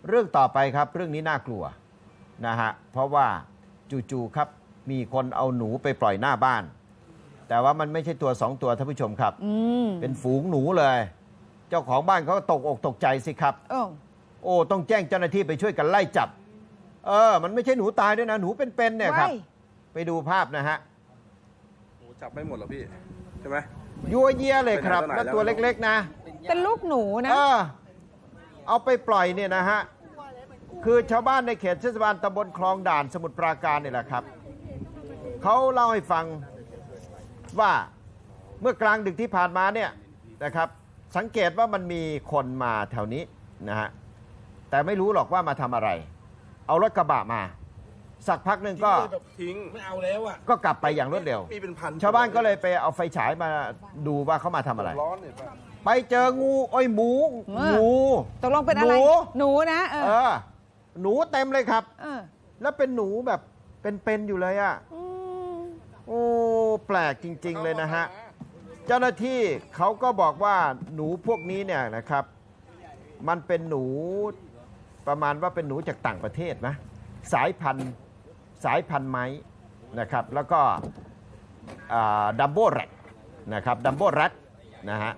เรื่องต่อไปครับเรื่องนี้น่ากลัวนะฮะเพราะว่าจู่ๆครับมีคนเอาหนูไปปล่อยหน้าบ้าน แต่ว่ามันไม่ใช่ตัว2 ตัวท่านผู้ชมครับเป็นฝูงหนูเลย เจ้าของบ้านเขาก็ตกอกตกใจสิครับโอ้ต้องแจ้งเจ้าหน้าที่ไปช่วยกันไล่จับมันไม่ใช่หนูตายด้วยนะหนูเป็นๆเนี่ยครับไปดูภาพนะฮะหนูจับไม่หมดหรอพี่ใช่ไหมยัวเยียเลยครับแล้วตัวเล็กๆนะเป็นลูกหนูนะเอาไปปล่อยเนี่ยนะฮะคือชาวบ้านในเขตเทศบาลตำบลคลองด่านสมุทรปราการนี่แหละครับเขาเล่าให้ฟังว่าเมื่อกลางดึกที่ผ่านมาเนี่ยนะครับสังเกตว่ามันมีคนมาแถวนี้นะฮะแต่ไม่รู้หรอกว่ามาทำอะไรเอารถกระบะมาสักพักหนึ่งก็ทิ้งไม่เอาแล้วอ่ะก็กลับไปอย่างรวดเร็วชาวบ้านก็เลยไปเอาไฟฉายมาดูว่าเขามาทำอะไรไปเจองูงูตกลงเป็นอะไรหนูนะหนูเต็มเลยครับแล้วเป็นหนูแบบเป็นอยู่เลยอ่ะโอ้แปลกจริงๆเลยนะฮะเจ้าหน้าที่เขาก็บอกว่าหนูพวกนี้เนี่ยนะครับมันเป็นหนูประมาณว่าเป็นหนูจากต่างประเทศนะสายพันธุ์ไม้นะครับแล้วก็ดัมโบ้แรดนะครับดัมโบ้แรดนะฮะ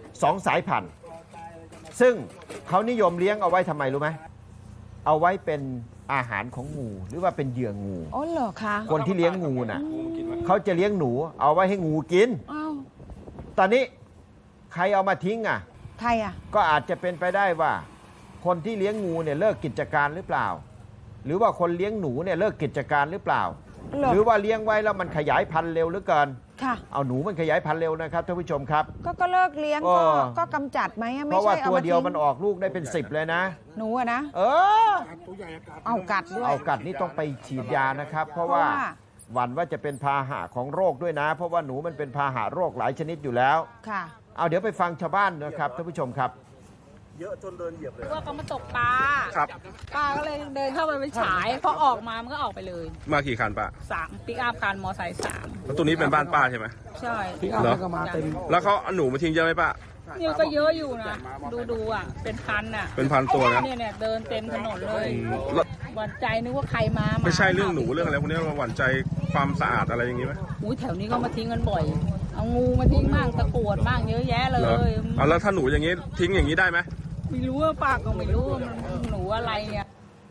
2 สายพันธุ์ซึ่งเขานิยมเลี้ยงเอาไว้ทำไมรู้ไหมเอาไว้เป็นอาหารของงูหรือว่าเป็นเหยื่องูอ๋อเหรอคะคนที่เลี้ยงงูน่ะเขาจะเลี้ยงหนูเอาไว้ให้งูกินตอนนี้ใครเอามาทิ้งอ่ะใครอ่ะก็อาจจะเป็นไปได้ว่าคนที่เลี้ยงงูเนี่ยเลิกกิจการหรือเปล่าหรือว่าคนเลี้ยงหนูเนี่ยเลิกกิจการหรือเปล่าหรือว่าเลี้ยงไว้แล้วมันขยายพันธุ์เร็วเหลือเกินเอาหนูมันขยายพันธุ์เร็วนะครับท่านผู้ชมครับก็เลิกเลี้ยงก็กำจัดไหมเพราะว่าตัวเดียวมันออกลูกได้เป็น10เลยนะหนูอะนะเอากัดด้วยเอากัดนี่ต้องไปฉีดยานะครับเพราะว่าหวั่นว่าจะเป็นพาหะของโรคด้วยนะเพราะว่าหนูมันเป็นพาหะโรคหลายชนิดอยู่แล้วเอาเดี๋ยวไปฟังชาวบ้านนะครับท่านผู้ชมครับเยอะจนเดินเหยียบเลยว่าเขามาตกปลาครับป้าก็เลยเดินเข้าไปฉายพอออกมามันก็ออกไปเลยมากี่คันป้า 3ปิกอัพคันมอไซค์3 แล้วตัวนี้เป็นบ้านป้าใช่ไหมใช่ปิกอัพก็มาเต็มแล้วเขาเอาหนูมาทิ้งเยอะไหมป้านี่ก็เยอะอยู่นะดูอ่ะเป็นพันอ่ะเป็นพันตัวนะเนี่ยเดินเต็มถนนเลยหวั่นใจนึกว่าใครมาไม่ใช่เรื่องหนูเรื่องอะไรพวกนี้เราหวั่นใจความสะอาดอะไรอย่างนี้ไหมแถวนี้ก็มาทิ้งกันบ่อยเอางูมาทิ้งบ้างตะกรวดบ้างเยอะแยะเลยเอาแล้วถ้าหนูอย่างนี้ทิ้งอย่างนี้ได้ไหมไม่รู้ว่าป้าก็ไม่รู้มันหนูอะไรเนี่ย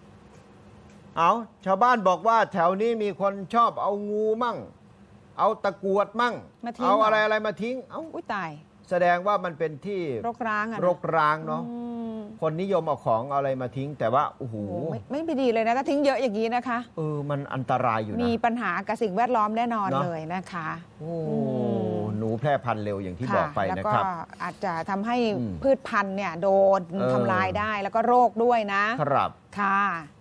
ชาวบ้านบอกว่าแถวนี้มีคนชอบเอางูมั่งเอาตะกรวดมั่งเอาอะไรมาทิ้งอุ้ยตายแสดงว่ามันเป็นที่รกร้างเนาะคนนิยมเอาของอะไรมาทิ้งแต่ว่าโอ้โหไม่ดีเลยนะถ้าทิ้งเยอะอย่างนี้นะคะมันอันตรายอยู่นะมีปัญหากับสิ่งแวดล้อมแน่นอนเลยนะคะหนูแพร่พันธุ์เร็วอย่างที่บอกไปนะครับแล้วก็อาจจะทำให้พืชพันธุ์เนี่ยโดนทำลายได้แล้วก็โรคด้วยนะครับค่ะ